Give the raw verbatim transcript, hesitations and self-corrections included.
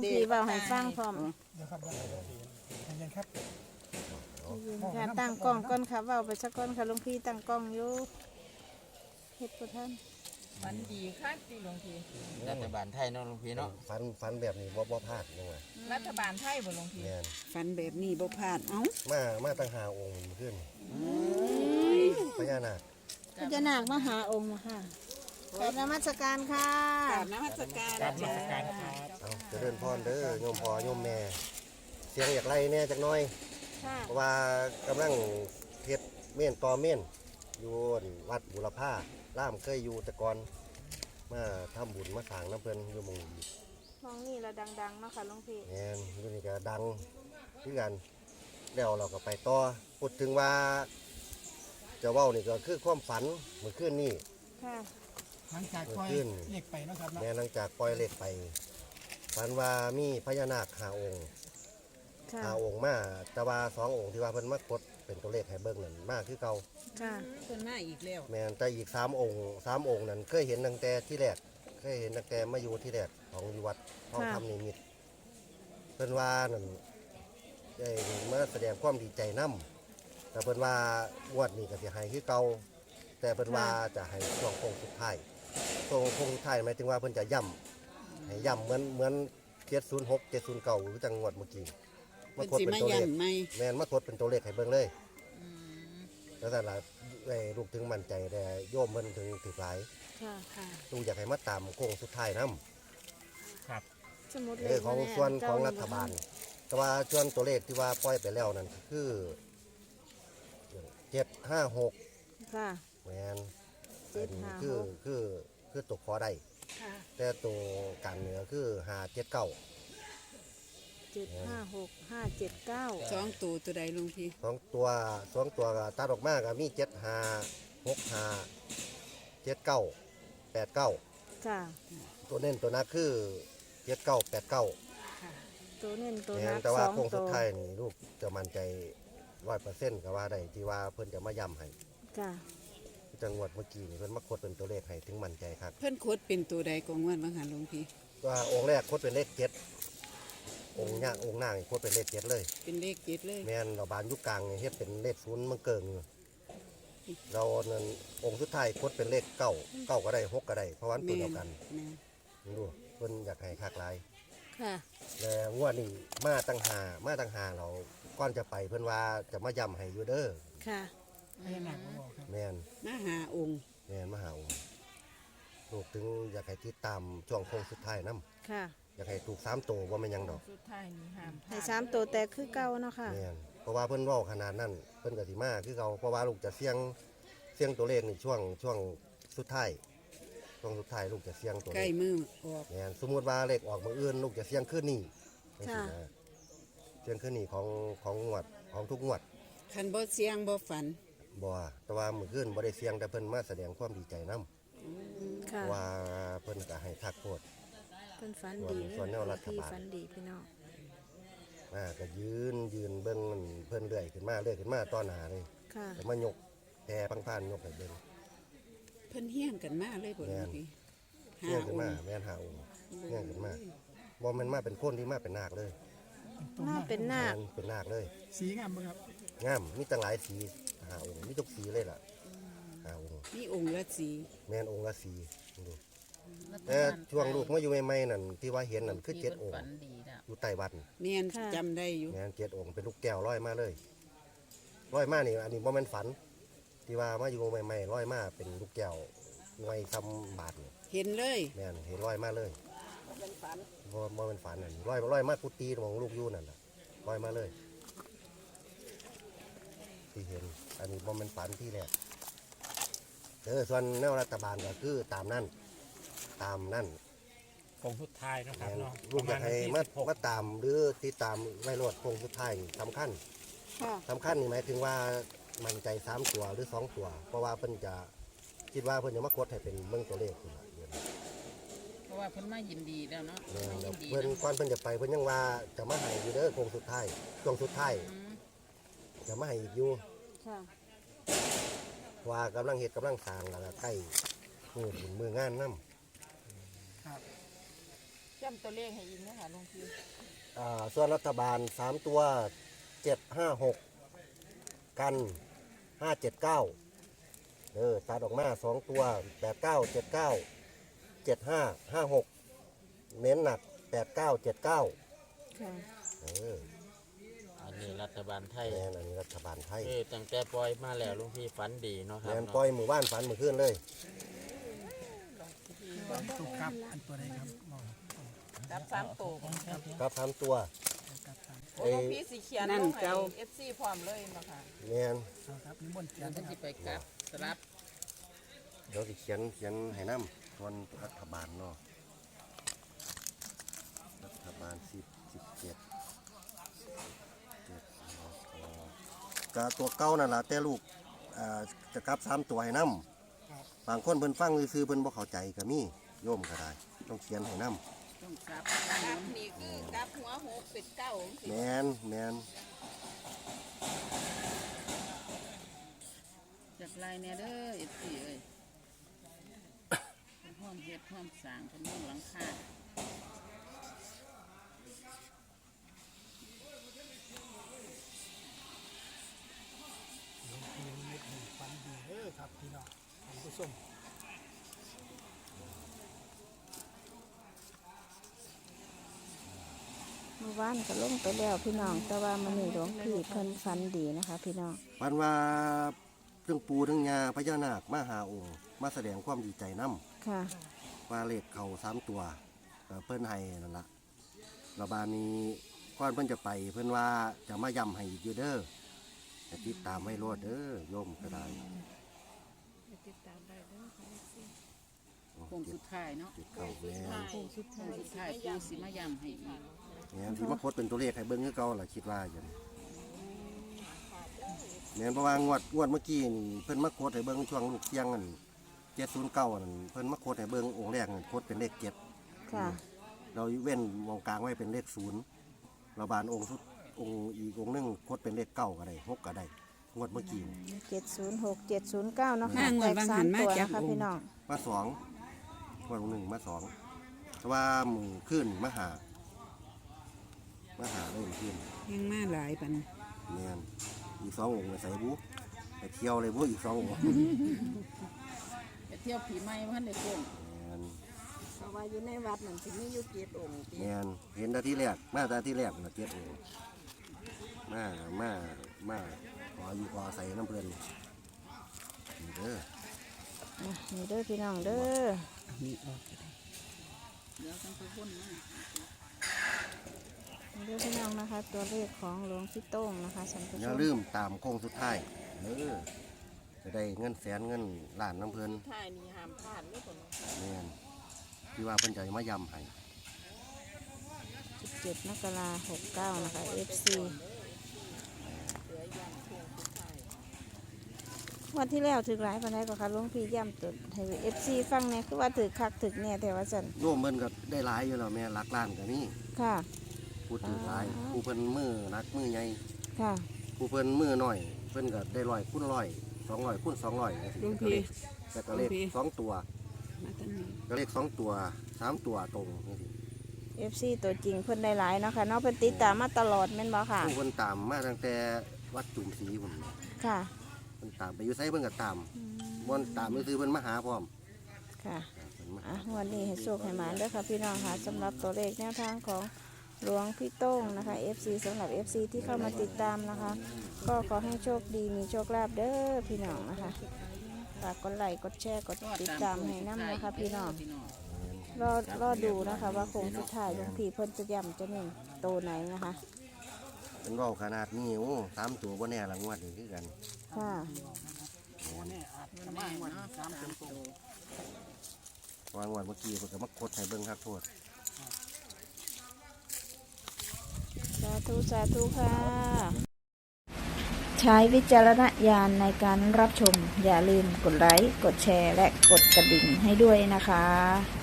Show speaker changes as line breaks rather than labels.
งพี่เว้าให้ฟังพร้อม
เดี๋ยวครับเดี๋ยวครับเย็นๆครับ
ยืนค่ะตั้งกล้องก่อนค่ะเว้าไปสักก่อนค่ะหลวงพี่ตั้งกล้องอยู่เฮ็ดบ่ทัน
มันดีค่ะที่หลวงพี่
รัฐบาลไทยเนาะหลวงพี่เนาะ
ฝันฝันแบบนี้บ่บ่พลาดยังไง
รัฐบาลไทยบ่หลวงพี่
แม่น
ฝันแบบนี้บ่พลาดเอ้า
มามาตั้งหาองค์ขึ้นพญานาค
พญานาคมหาองค์ค่ะกราบนมัสการค่ะ
กราบนมัสการ
กราบนมัสการครับ
เอาเจริญพรเด้อโยมพ่อโยมแม่ เสียงอยากไล่แน่จักหน่อย
ค่ะ
เพราะว่ากำลังเฮ็ดเม่นต่อเม่นอยู่วัดบุรพาล่ามเคยอยู่แต่ก่อนมาทำบุญมาสร้างน้ำเพิ่นอยู่หมองนี้
มองนี่ละดังๆเนาะค่ะหลวงพี่
แม่นอยู่นี่ก็ดังคือกันแล้วเราก็ไปต่อพูดถึงว่าจะเว้านี่ก็คือความฝันเมื่อคืนนี้
ค่ะ
หลังจากปล่อยเล็กไปเนาะครับเนาะ
แม่หลังจากปล่อยเลขไปฝันว่ามีพญานาคหาองค์
ค่ะ
หาองค์มาแต่ว่าสององค์ที่ว่าเพิ่นมากดเป็นตัวเลขให้เบิ่งนั่นมากคือเก่า
ค่ะ
เพิ่นมาอีกแล้ว
แม่นแต่อีกสามองค์สามองค์นั้นเคยเห็นตั้งแต่ที่แรกเคยเห็นตั้งแต่มาอยู่ที่แรกของอยู่วัดห้องทำนิมิตรเพิ่นว่านั่นได้มาแสดงความดีใจนํแต่เพิ่นว่างวดนี้ก็สิให้คือเก่าแต่เพิ่นว่าจะให้ช่วงโค้งสุดท้ายช่วงโค้งสุดท้ายหมายถึงว่าเพิ่นจะย่ำให้ย่ำเหมือนเหมือนเจ็ดศูนย์หก เจ็ดศูนย์เก้าหรือจังหวัดเมื่อกี้
เพิ่น
กด
สิ
เป็น
มา
ตัวเลข
ย้ำใหม่
แม่นมาทดเป็นตัวเลขให้เบิ่งเลยแล้วแต่ละไอ้ลูกถึงมั่นใจแต่โยมเพิ่นถึงถือหลาย
ค่ะ
ค่ะ
ลูกอยากให้มาตามโค้งสุดท้ายนํ
สมุด
เออของส่วนของรัฐบาล แต่ว่าส่วนตัวเลขที่ว่าปล่อยไปแล้วนั่นคือเจ็ดห้าหก
ค่ะ
แม่น
เจ็ดห้าหก
คือคือคือตัวขอได้
ค่ะ
แต่ตัวการเหนือคือห้าเจ็ดเก้า
เจ็ดห้าหกห้าเจ็ดเก้า
สองตัวตัวใดหลวงพี่
สองตัวสองตัวก็ตัดออกมาก็มีเจ็ดห้าหกห้าเจ็ดเก้าแปดเก้า
ค่ะ
ตัวเน้นตัวนักคือเจ็ดเก้าแปดเก้า
ค่ะ
ตัวเน้นตัว
แม่
นั
น
ก
แต่
ส
ว่า
อง
โค้ง
ตั
สุด
ว
ท้ายนี่ลูกจะมั่นใจร้อยเปอร์เซ็นต์ก็ว่าได้ที่ว่าเพิ่นจะมาย้ำให้
ค่ะ
จังหวัดเมื่อกี้นี่เพิ่นมาคดเป็นตัวเลขให้ถึงมั่นใจครับ
เพิ่นโคดเป็นตัวใดกองวันบางหันหลวงพี่
ว่าองค์แรกคดเป็นเลขเจ็ดองค์ย่างองค์นางนี่คดเป็นเลขเจ็ดเลย
เป็นเลขเจ็ดเลย
แม่นเราบานยุคกลางนี่เฮ็ดเป็นเลขศูนย์มันเกิงอยู่เรานั่นองค์สุดท้ายคดเป็นเลขเก้าเก้าก็ได้หกก็ได้เพราะว่ามันตัวเดียวกัน
แม่น
นี่ดูเพิ่นอยากให้คักหลาย
ค่ะ
แล้วงวดนี้มาตั้งหามาตั้งหาเราก่อนจะไปเพิ่นว่าจะมาย้ำให้อยู่เด้อ
ค่ะ
พญานาคมาบอกครับ
แม่น
มาหาองค์
แม่นมาหาองค์ลูกถึงอยากให้ติดตามช่วงโค้งสุดท้ายนํ
ค่ะ
อยากให้ถูกสามตัวว่าไม่นหยังดอก
สุดท้ายนี่ห้ามพล
ให้
ด
สามตัวแต่คือเก่าเนาะค่ะ
แม่นเพราะว่าเพิ่นเว้าขนาดนั้นเพิ่นก็สิมาคือเขาเพราะว่าลูกจะเสี่ยงเสี่ยงตัวเลขในช่วงช่วงสุดท้ายช่วงสุดท้ายลูกจะเสี่ยงตัว
ใก
เล
ล้
ข
มือออก
แม่นสมมุติว่าเลขออกมื้ออื่นลูกจะเสี่ยงคืนนี้จังซี่
ค่ะ
นะเสี่ยงคืนนี้ของของงวดของทุกงวด
คันบ่เสียงบ่ฝัน
บ่ว่าแต่ว่ามื้อคืนบ่ได้เสี่ยงแต่เพิ่นมาแสดงความดีใจนํ
ค่ะ
ว่าเพิ่นก็ให้ทักโทษ
เพิ่นฝันดี
ส่วนแนวรัฐบาล
พี่ฝันดีพี่น้อง
มาก็ยืนยืนเบิ่งเพิ่นเรื่อยขึ้นมาเรื่อยขึ้นมาต่อหน้าเลย
ค่ะ
ก็มายกแพรพังพานยกให้เบิ่ง
เพิ่นเฮี้ยงกันมาเลยบ่หลวงพี่
เงี้ยขึ้น
อง
มา
ค์
แม่นหาองค์เงี้ยขึ้นมาบ่แม่นมาเป็นคนที่มาเป็นนาคเลย
ตัว
หน้าเป็นนาค
แม่นเป็นนาคเลย
สีงามบ่ครับ
งามมีตั้งหลายสีหาองค์มีทุกสีเลยล่ะหาองค์
มีองค์ละสี
แม่นองค์ละสีดูแต่ช่วงลูกมาอยู่ใหม่ๆนั่นที่ว่าเห็นนั่นคือเจ็ดองค์
ฝันดีแล้ว
อยู่ใต้วัด
แม่นจำได้อยู่
แม่นเจ็ดองค์เป็นลูกแก้วลอยมาเลยลอยมานี่อันนี้บ่แม่นฝัน ที่ว่ามาอยู่ใหม่ๆลอยมาเป็นลูกแก้วหน่วยซ้ำบาทนี่
เห็นเลย
แม่นเห็นลอยมาเลยบ่บ่เป็นฝันนั่นลอยลอยมากุฏิของลูกอยู่นั่นน่ะลอยมาเลย ที่เห็น อันนี้บ่เป็นฝันที่แรกเออส่วนแนวรัฐบาลก็คือตามนั่นตามนั่น
โค้งสุดท้ายเนาะครับ
แม่น
เนาะ
ลูกอยากให้
ประ
มา
ณวันที่สิบหก
มาตามหรือติดตามไว้รวดโค้งสุดท้ายนี่สำคัญ
ค่ะ
สำคัญนี่หมายถึงว่ามันใจสามตัวหรือสองตัว เพราะว่าเพิ่นจะคิดว่าเพิ่นจะมากดให้เป็นเบิ่งตัวเลขนี่ล่ะเดี๋ยวนี้
เพราะว่าเพิ่นมายินดีแล้วเนาะ
แม่
มาน
แล้
ยิ
วน
ดี
เพิ่น
นะ
ก่อนเพิ่นจะไปเพิ่นยังว่าจะมาให้อยู่เด้อโค้งสุดท้ายช่วงสุดท้าย
อืม
จะมาให้อีกอยู่
ค่ะ
ว่ากำลังเฮ็ดกำลังสร้างแล้วก็ใกล้มือบุญมืองานนํ
ครับ
จำตัวเลขให้อีกนะคะหลวงพี่
อ่าส่วนรัฐบาลสามตัวเจ็ดห้าหกกันห้าเจ็ดเก้าเออตัดออกมาสองตัวแปดเก้าเจ็ดเก้าเจ็ดห้าห้าหกเน้นหนักแปดเก้าเจ็ดเก้า
ค่ะ
เออ
อันนี้รัฐบาลไทย
แม่นอันนี้รัฐบาลไทย
เออตั้งแต่ปล่อยมาแล้วหลุงพี่ฝันดีเนาะครับ
แม่น
เนาะ
ปล่อยหมู่บ้านฝันเมื่อคืนเลย
ตัวกลับอันตัวใดครับบอก
กับสามตัว
ครับสามตัว
กลับสาม
โอ้หลวงพี่สิเขียนลงให้ เอฟ ซี พร้อมเลยมาค่ะ
แม่น
เอาครับนิมนต์เขีย
เดี๋ย
น
ว
นะ
จะ
ครับ
สิไปกลับสลับ
เดี๋ยวสิเขียนเขียนให้น้ำส่วนรัฐบาลเนาะรัฐบาลสิบสิบเจ็ดเจ็ดก็ตัวเก้านั่นแหละแต่ลูกอ่าจะกลับสามตัวให้น้ำบางคนเพิ่นฟังซื่อๆเพิ่นบ่เข้าใจก็มีโยมก็ได้ต้องเขียนให้น้
ต้องกลับกลับนี่คือกลับหัวหกเป็นเก้า
ำแมนแมน
จากลายเนี่ยเด้อ เอฟ ซี เอ้ยเป็นห้อมเฮ็ดห้อมสร้างเป็นห้อมหลังคา
ปีนี้ไม่ถึงฟันดีเด้อครับพี่น้องท่านผู้ชม
เมื่อวานก็ลงไปแล้วพี่น้องแต่ว่ามันนี่หลวงพี่เพิ่นฝันดีนะคะ พี่น้อง
ปันว่าเรื่องปูทั้งยาพญานาคมาหาองค์มาแสดงความดีใจน้
ค่ะ
ำว่าเลขเขาสามตัวก็เพิ่นให้นั่นละระบาดนี้ก่อนเพิ่นจะไป เพิ่นว่าจะมาย้ำให้อีกอยู่เด้อจะติดตามไว้รอดเด้อโยมก็ได้
ติดตามได้เด้อค่ะ
โอ้
โค้งสุดท้ายเนาะ
ติดเข้าแม่น
โค้งสุดท้ายสุดท้ายปูสิมาย้ำให้อีก
แม่นที่มาโคดเป็นตัวเลขให้เบิ่งคือเก่าล่ะคิดว่าอย่างนี้แม่นเพราะว่างวดงวดเมื่อกี้นี่เพิ่นมาโคดให้เบิ่งช่วงลูกเที่ยงนั่นเจ็ดศูนย์เก้านั่นเพิ่นมาโคดให้เบิ่งองค์แรกนั่นโคดเป็นเลขเจ็ด
ค่ะ
เราเว้นวงกลางไว้เป็นเลขศูนย์เราบานองค์สุดองค์อีกองค์หนึงโคดเป็นเลขเก้าก็ได้หกก็ได้งวดเมื่อกี้นี่
เจ็ดศูนย์หกเจ็ดศูนย์เก้าเนาะค่ะ
ห้างว
แต
ด
ก
บาง
สา
หั
ม
นมา
ตัว
จาก
นะคะ
องค์
พี่น้อง
มาสองงวดหนึ่งมาสองแต่ว่ามือขึ้นมาหามาหาเริ่มขึ้น
ยังมาหลายปัน
เนียนอีกสององค์ไปใส่บุไปเที่ยวเลยบุอีกสององค์
ไปเที่ยวผีไม้พันในโค้ง
เนียน
เพราะว่าอยู่ในวัดนั่นสิมีอยู่เจ็ดองค์
เนียนเห็นแตาที่แรกมาแตาที่แรกนะเจ็ดองค์มามามาขออยู่ขอใส่น้ำเพลินนี่เด้อ
อ่ะนี่เด้อพี่น้องเด้อ
เอานี่ออกก็ได้
เดี๋ยวต้องไปพ่นมา
นี่เด้อพี่น้องนะคะ ตัวเลขของหลวงพี่โต้งนะคะสันติ
อย่าลืมตามโค้งสุดท้ายเออจะได้เงินแสนเงินล้านน้ำเพลิน
ท่ายนี่ห้ามพลาดเลยคน
แม่นที่ว่าเพิ่นจะมายำให้
สิบเจ็ดมกราหกเก้านะคะ เอฟ ซี
เหลือยันโค้งสุดท้าย
วันที่แล้วถึงหลายปันไดก็ค่ะหลวงพี่ย่ำตุดให้เอฟซีฟังเนี่ยคือว่าถือคักถึกเนี่ยแต่ว่าสัน
ร่วมเพิ่นก็ได้หลายอยู่แล้วแม่หลักล้านก็มี ค่ะ พูดถึงหลายผู้เพิ่นมือนักมือใหญ่
ค่ะ
ผู้เพิ่นมือน้อย เพิ่นก็ได้ร้อยคูณร้อยสองร้อยคูณสองร้อยจังซี่ก็เลขแต่ก็เลขสองตัว
มาตั้งนี้
ก็เลขสองตัวสามตัวตรงจังซี่
เอฟซีตัวจริงเพิ่นได้หลายเนาะค่ะเนาะเพิ่นติดตามมาตลอดแม่นบ่ค่ะ
ผู้เพิ่นตามมาตั้งแต่วัดจุ่มศรีพุ่น
ค่ะ
เพิ่นตามไปอยู่ไสเพิ่นก็ตามบ่นตามซื่อๆเพิ่นมาหาพร้อม
ค่ะ
เพิ่นมา
อ่ะงวันนี้ให้โชคให้หมานเด้อค่ะพี่น้องค่ะสำหรับตัวเลขแนวทางของหลวงพี่โต้งนะคะ เอฟ ซี สำหรับ เอฟ ซี ที่เข้ามาติดตามนะคะ ก็ขอให้โชคดีมีโชคลาภเด้อพี่น้องนะคะฝากกดไลค์กดแชร์กดติดตามให้น้ำนะคะพี่น้องรอรอดูนะคะ ว่าโค้งสุดท้ายหลวงพี่เพิ่นจะย่ำจะเน่งโตไหนนะคะ
เป็นเว้าขนาดนี้โอ้สามตัวบ่แน่ละงวดนี้คือกัน
ค่ะ
มันแน่เนาะสามตัว
วางวันเมื่อกี้เพิ่นก็มาคดให้เบิ่งคักโทษ
สาธุสาธุค่ะ ใช้วิจารณญาณในการรับชม อย่าลืมกดไลค์ กดแชร์ และกดกระดิ่งให้ด้วยนะคะ